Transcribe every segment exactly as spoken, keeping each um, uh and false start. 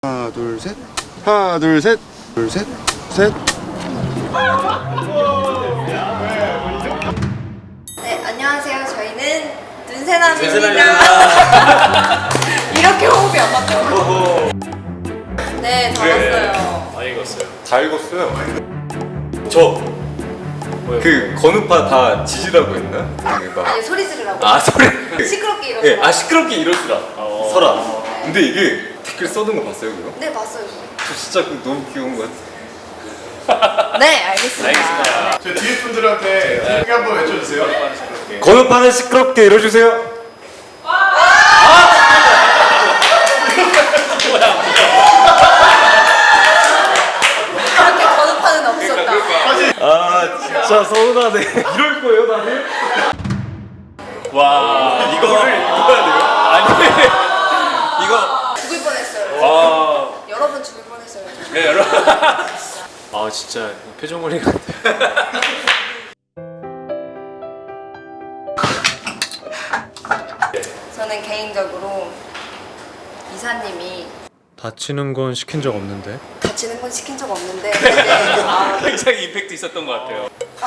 하나 둘 셋. 하나 둘 셋. 둘 셋. 셋. 네, 안녕하세요. 저희는 눈새남입니다. 눈새남입니다. 이렇게 호흡이 안 맞죠? 네, 다 왔어요. 다 익었어요. 다 읽었어요. 저 그 건우파 다 지지라고 했나? 그 막- 아니, 소리 지르라고. 아 소리. 시끄럽게 예, 이러고. 아 시끄럽게 이러시라. 어. 서라. 근데 이게 댓글 써둔 거 봤어요 그거? 네, 봤어요. 저 진짜 그거 너무 귀여운 것 같아. 네, 알겠습니다. 알겠습니다. 저 뒤에 분들한테 크게 한번 외쳐주세요. 건우파는 시끄럽게 이러주세요. 그렇게 번호판은 없었다. 아 진짜 서운하네. 이럴 거예요 다들? 와, 이거를 읽어야 돼요? 아니, 이거, 죽을 뻔했어요. 와, 여러 번 죽을 뻔했어요. 네, 여러분. 아, 진짜 표정 관리 같아. 저는 개인적으로 이사님이 다치는 건 시킨 적 없는데. 다치는 건 시킨 적 없는데 근데 아, 굉장히 임팩트 있었던 것 같아요.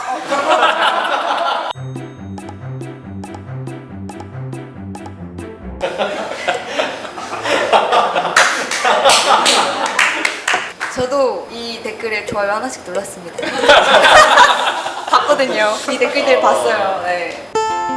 저도 이 댓글에 좋아요 하나씩 눌렀습니다. 봤거든요. 이 댓글들 봤어요. 네.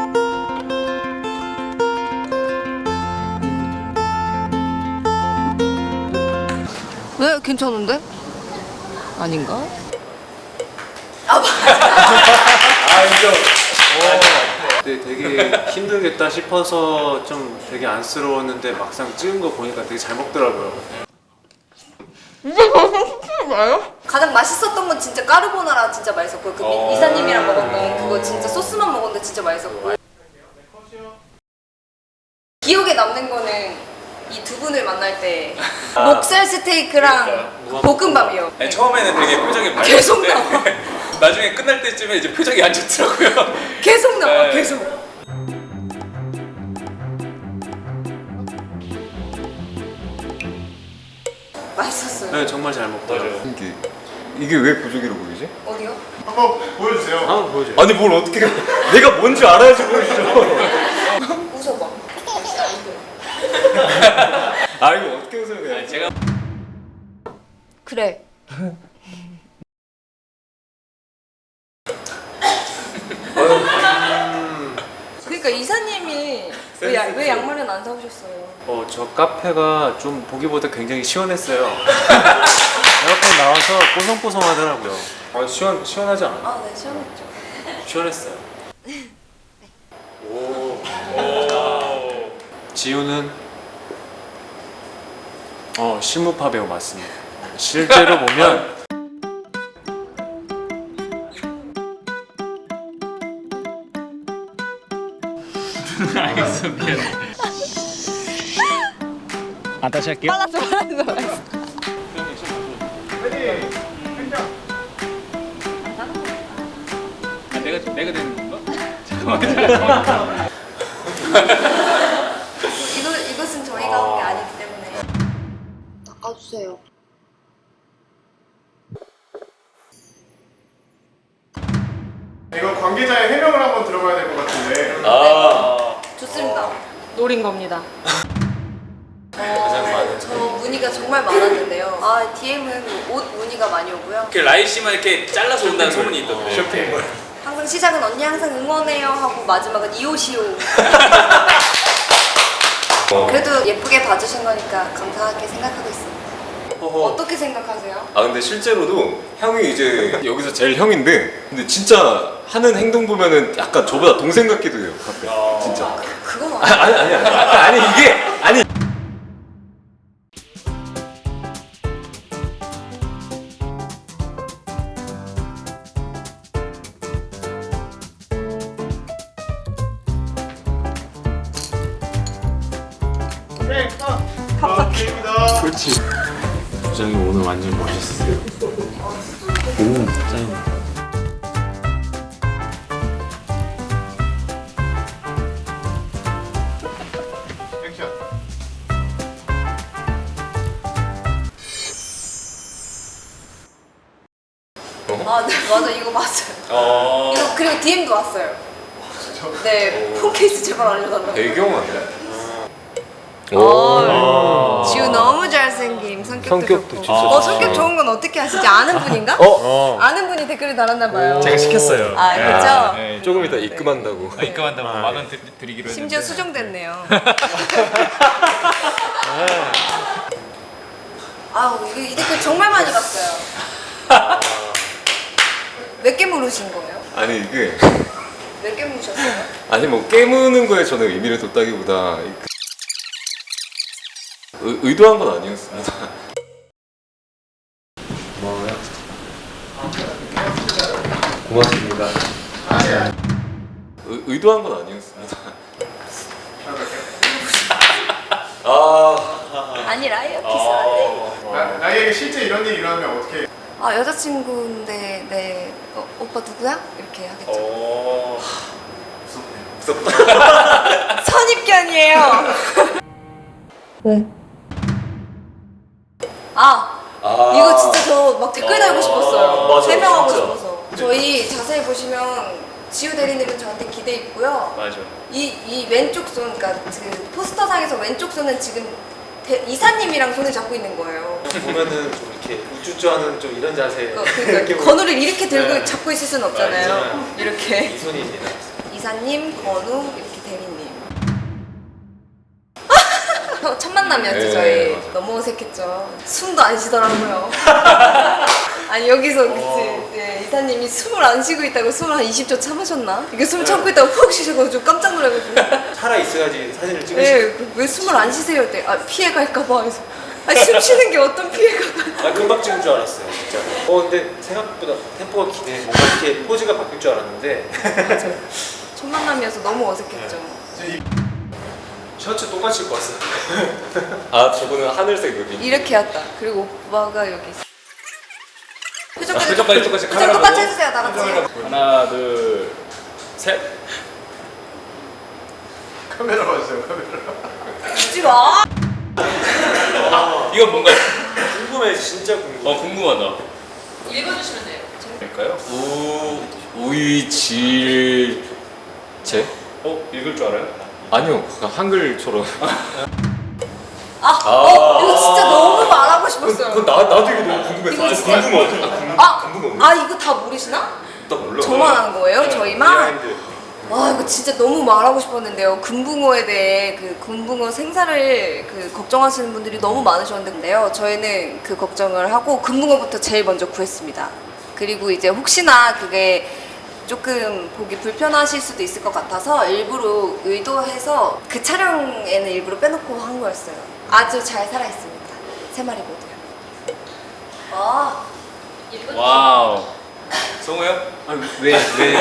네, 괜찮은데? 아닌가? 아, 맞아. 아, 인정. 근데 되게 힘들겠다 싶어서 좀 되게 안쓰러웠는데 막상 찍은 거 보니까 되게 잘 먹더라고요. 가장 맛있었던 건 진짜 까르보나라 진짜 맛있었고 그 미- 이사님이랑 먹었던 그거 진짜 소스만 먹었는데 진짜 맛있었고 기억에 남는 거는 이 두 분을 만날 때 목살 스테이크랑 볶음밥이요. 아니, 처음에는 되게 표정이 계속 밝았는데 나중에 끝날 때쯤에 이제 표정이 안 좋더라고요. 계속 나와 네. 계속. 맛있었어요. 네, 정말 잘 먹더라고요. 이게 이게 왜 부족이로 보이지? 어디요? 한번 보여주세요. 한번 보여줘요. 아니 뭘 어떻게 내가 뭔지 알아야지 보이죠. 웃어봐. 아 이거 어떻게 웃어야 돼? 아니, 제가 그래. 그러니까 이사님이 왜, 야, 왜 양말은 안 사오셨어요? 어, 저 카페가 좀 보기보다 굉장히 시원했어요. 에어컨 나와서 뽀송뽀송하더라고요. 아, 시원 시원하지 않아요? 아, 네, 시원했죠. 시원했어요. 오. 지우는 어 실무파 배우 맞습니다. 실제로 보면 빨랐어, 빨랐어, 빨랐어. 아, 내가, 내가 되는 건가? 이거, 이것은 저희가 한 게 아니기 때문에 닦아주세요. 이거 관계자의 해명을 한번 들어봐야 될 것 같은데. 아, 좋습니다. 노린 겁니다. 어, 저 문의가 정말 많았는데요. 아, 디엠은 옷 문의가 많이 오고요. 이렇게 라이 씨만 이렇게 잘라서 온다는 소문이 있던데. 쇼핑몰. 항상 시작은 언니 항상 응원해요 하고 마지막은 이오시오. 그래도 예쁘게 봐주신 거니까 감사하게 생각하고 있습니다. 어떻게 생각하세요? 아 근데 실제로도 형이 이제 여기서 제일 형인데 근데 진짜 하는 행동 보면은 약간 저보다 동생 같기도 해요 가끔 진짜. 그건 아, 아니 아니 아니 아니 이게 아니 네, 아, 게임이다. 그렇지. 부장이 오늘 완전 멋있어요. 오, 짱. 액션. 아, 네, 맞아. 이거 맞아요. 어. 이거 그리고 디엠도 왔어요. 네, 폰 케이스 제발 알려달라고. 배경 아니야? 어, 지우 너무 잘생김. 성격도, 성격도 좋고. 진짜 어, 성격 좋은 건 어떻게 아시지? 아는 분인가? 어? 아는 분이 댓글을 달았나 봐요. 제가 시켰어요. 아, 그렇죠? 네, 조금 이따 입금한다고. 아, 입금한다고 만 원 드리기로 했는데. 심지어 수정됐네요. 아우, 이거 이 댓글 정말 많이 봤어요. 몇 개 물으신 거예요? 아니 이게 몇 개 물으셨어요? 아니 뭐 깨무는 거에 저는 의미를 뒀다기보다 이- 의, 의도한 건 아니었습니다. 고맙습니다. 의, 의도한 건 아니었습니다. 아, 아니라요, 기사한테. 나, 나에게 실제 이런 일이 일어나면 어떻게 해? 아, 여자친구인데, 네, 어, 오빠 누구야? 이렇게 하겠죠. 어. 선입견이에요. 왜? 아, 아. 이거 진짜 저 막 댓글 달고 싶었어요. 맞아, 해명하고 진짜. 싶어서. 저희 자세히 보시면 지우 대리님은 저한테 기대 있고요. 맞아. 이, 이 왼쪽 손, 그러니까 그 포스터상에서 왼쪽 손은 지금 대, 이사님이랑 손을 잡고 있는 거예요. 보면은 좀 이렇게 우쭈쭈하는 좀 이런 자세. 그, 그러니까 건우를 이렇게 들고 네. 잡고 있을 수는 없잖아요. 아니잖아요. 이렇게. 이 손입니다. 이사님, 건우, 이렇게 대리님. 첫 만남이었죠, 네, 저희. 맞아. 너무 어색했죠. 숨도 안 쉬더라고요. 아니, 여기서 그치. 네, 이사님이 숨을 안 쉬고 있다고 숨을 한 이십 초 참으셨나? 이게 숨 참고 있다가 푹 쉬셔가지고 깜짝 놀라가지고. 살아 있어야지 사진을 찍으시. 네, 그, 왜 숨을 안 쉬세요? 때 아, 피해갈까봐. 해서. 아니, 숨 쉬는 게 어떤 피해가. 아 금방 찍은 줄 알았어요, 진짜. 어 근데 생각보다 템포가 기네. 뭔가 이렇게 포즈가 바뀔 줄 알았는데. 맞아요. 첫 만남이어서 너무 어색했죠. 셔츠 똑같이 입고 왔어요. 아 저거는 하늘색 여기. 이렇게 했다. 그리고 오빠가 여기 있어. 표정 표정까지 똑같이 표정 카메라 똑같이 보고. 해주세요, 다 같이. 하나, 둘, 셋. 카메라 봐주세요, 카메라. 웃지 마. 이건 뭔가요? 궁금해, 진짜 궁금해. 어, 궁금하다. 읽어주시면 돼요. 될까요? 우 우이질제? 어, 읽을 줄 알아요? 아니요, 한글처럼. 아, 어, 이거 진짜 너무 말하고 싶었어요. 그건 나 나도 이거 너무 궁금했어. 이거 아, 진짜- 궁금해. 아, 궁금해. 아 이거 다 모르시나? 나 몰라. 저만 하는 거예요? 저희만? 비하인드. 와, 이거 진짜 너무 말하고 싶었는데요. 금붕어에 대해 그 금붕어 생사를 그 걱정하시는 분들이 너무 많으셨는데요. 저희는 그 걱정을 하고 금붕어부터 제일 먼저 구했습니다. 그리고 이제 혹시나 그게 조금 보기 불편하실 수도 있을 것 같아서 일부러 의도해서 그 촬영에는 일부러 빼놓고 한 거였어요. 아주 잘 살아있습니다. 세 마리 모두요. 와, 예쁘다. 와우. 성우요? 아니, 왜, 왜?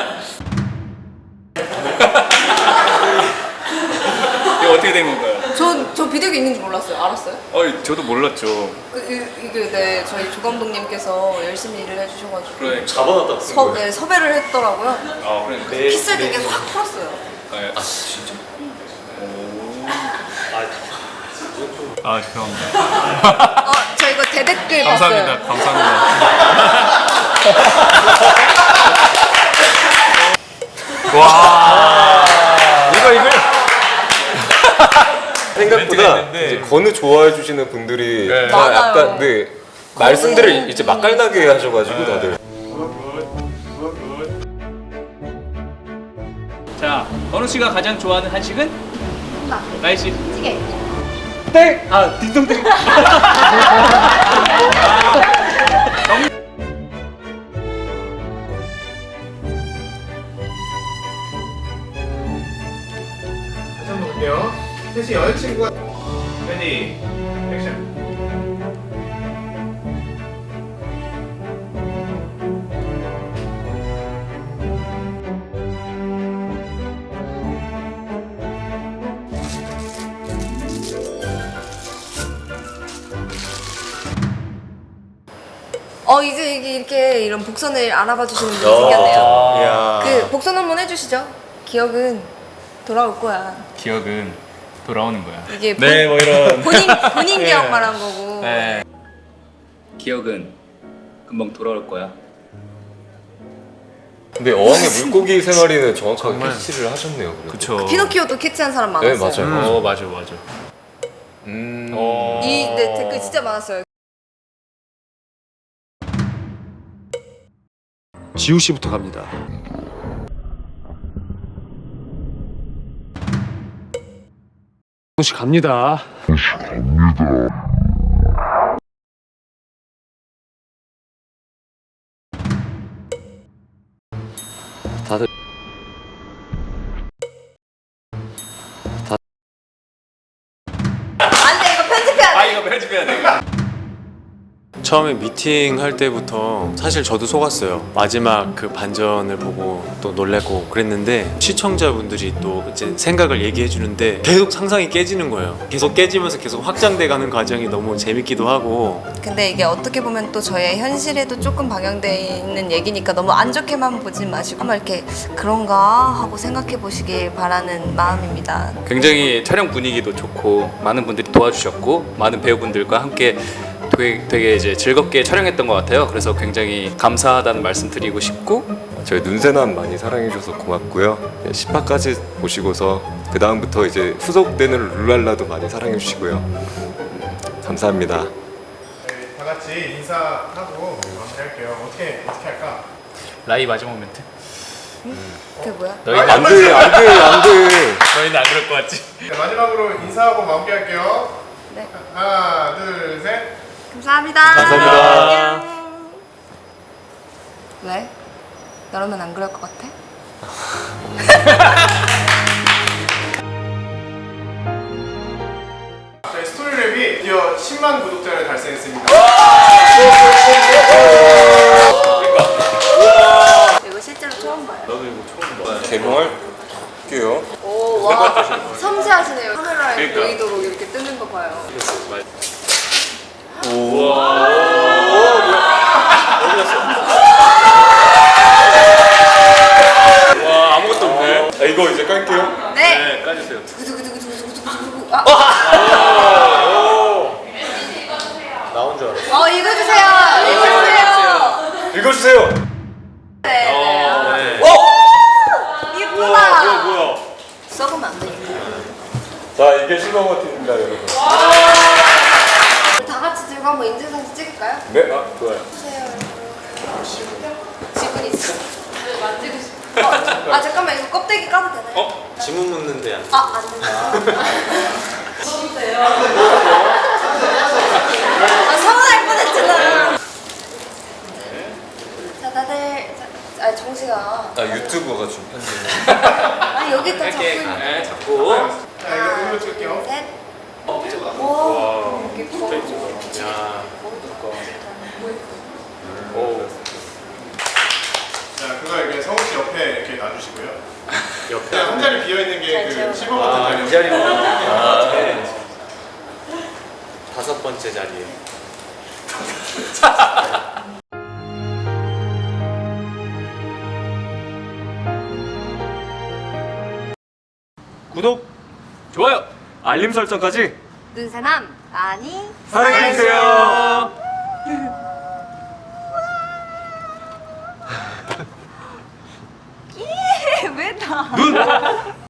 이거 어떻게 된 건가요? 저, 저 비둘기 있는지 몰랐어요. 알았어요? 어, 저도 몰랐죠. 그, 이, 이게 네, 저희 조 감독님께서 열심히 일을 해주셔가지고 그러니까. 잡아놨다. 서, 네, 섭외를 했더라고요. 아, 그러니까. 네, 키스를 네. 되게 확 풀었어요. 네. 아, 진짜? 오. 아, 이건 좀. 아, 죄송합니다. 어, 저 이거 대댓글 감사합니다. 봤어요. 감사합니다. 와. 이거, 이걸. 생각보다 멘트가 있는데. 이제 건우 좋아해 주시는 분들이 네. 다 많아요. 약간 네 말씀들을 이제 맛깔나게 하셔가지고 다들. 자, 건우 씨가 가장 좋아하는 한식은? 나이 씨. 찌개. 땡! 아, 딩동댕. 다시 한번 볼게요. 셋이 여자친구가 레디 액션. 어, 이제 이게 이렇게 이런 복선을 알아봐 주시는 분이 생겼네요. 이야. 그 복선 한번 해주시죠. 기억은 돌아올 거야. 기억은 돌아오는 거야. 이게 본, 네, 뭐 이런. 본인, 본인 기억 말한 거고. 네. 기억은 금방 돌아올 거야. 근데 어항의 물고기 세 마리는 정확하게 캐치를 하셨네요. 그래도. 그쵸. 피노키오도 캐치한 사람 네, 많았어요. 맞아요. 어 맞아 맞아. 음. 어. 이 네, 댓글 진짜 많았어요. 지우 씨부터 갑니다. 씨 갑니다. 다들 안돼 이거 편집해야 돼. 아 이거 편집해야 돼. 처음에 미팅 할 때부터 사실 저도 속았어요. 마지막 그 반전을 보고 또 놀래고 그랬는데 시청자분들이 또 이제 생각을 얘기해 주는데 계속 상상이 깨지는 거예요. 계속 깨지면서 계속 확장돼 가는 과정이 너무 재밌기도 하고. 근데 이게 어떻게 보면 또 저의 현실에도 조금 반영돼 있는 얘기니까 너무 안 좋게만 보지 마시고 한번 이렇게 그런가 하고 생각해 보시길 바라는 마음입니다. 굉장히 촬영 분위기도 좋고 많은 분들이 도와주셨고 많은 배우분들과 함께 되게, 되게 이제 즐겁게 촬영했던 것 같아요. 그래서 굉장히 감사하다는 말씀 드리고 싶고 저희 눈새남 많이 사랑해주셔서 고맙고요. 십 화까지 보시고서 그 다음부터 이제 후속되는 룰랄라도 많이 사랑해주시고요. 음, 감사합니다. 네, 다 같이 인사하고 마무리할게요. 어떻게 어떻게 할까? 라이 마지막 멘트. 그게 뭐야? 너희는 안 돼, 안 돼, 안 돼. 너희는 안 그럴 것 같지? 네, 마지막으로 인사하고 마무리할게요. 네. 하나, 둘, 셋. 감사합니다. 감사합니다. 안녕. 왜? 너라면 안 그럴 것 같아? 저희 스토리랩이 드디어 십만 구독자를 달성했습니다. 이거 실제로 처음 봐요. 나도 이거 처음 봐. 개봉할게요. 오, 와. 섬세하시네요. 카메라에 보이도록 이렇게 뜨는 거 봐요. 와 아무것도 없네. 아, 이거 이제 깔게요. 네. 네 까주세요. 두구두구두구두구두구두구두구. 아. 나온 줄 알았어. 어, 읽어주세요. 읽어주세요. 읽어주세요. 네. 네. 네. 이쁘다. 뭐야? 썩으면 안 되니까. 자, 이게 실버버튼입니다, 여러분. 다 같이 들고 한번 인증사진 찍을까요? 네, 아, 좋아요. 주세요. 지분 있어. 만지고 싶어. 어, 아 잠깐만 이거 껍데기 까도 되나요? 어? 지문 묻는데 안 돼. 아, 안 된다. 진짜요? 아, 서운할 뻔했잖아. 자, 다들. 자, 아, 정시가. 아, 유튜버가 좀 편집. 아, 여기 또 잡고 있는. 네 잡고. 자, 이거 이걸로 찍을게요. 셋. 오, 이렇게 구워. 야. 오. 자, 그거 이렇게 성우 씨 옆에 이렇게 놔주시고요. 옆에. 한 자리 비어 있는 게 그 잘 십오 버튼 자리. 이 자리는. 아, 네. 다섯 번째 자리에. 구독, 좋아요. 알림 설정까지 눈사람 많이 사랑해주세요. 왜 나?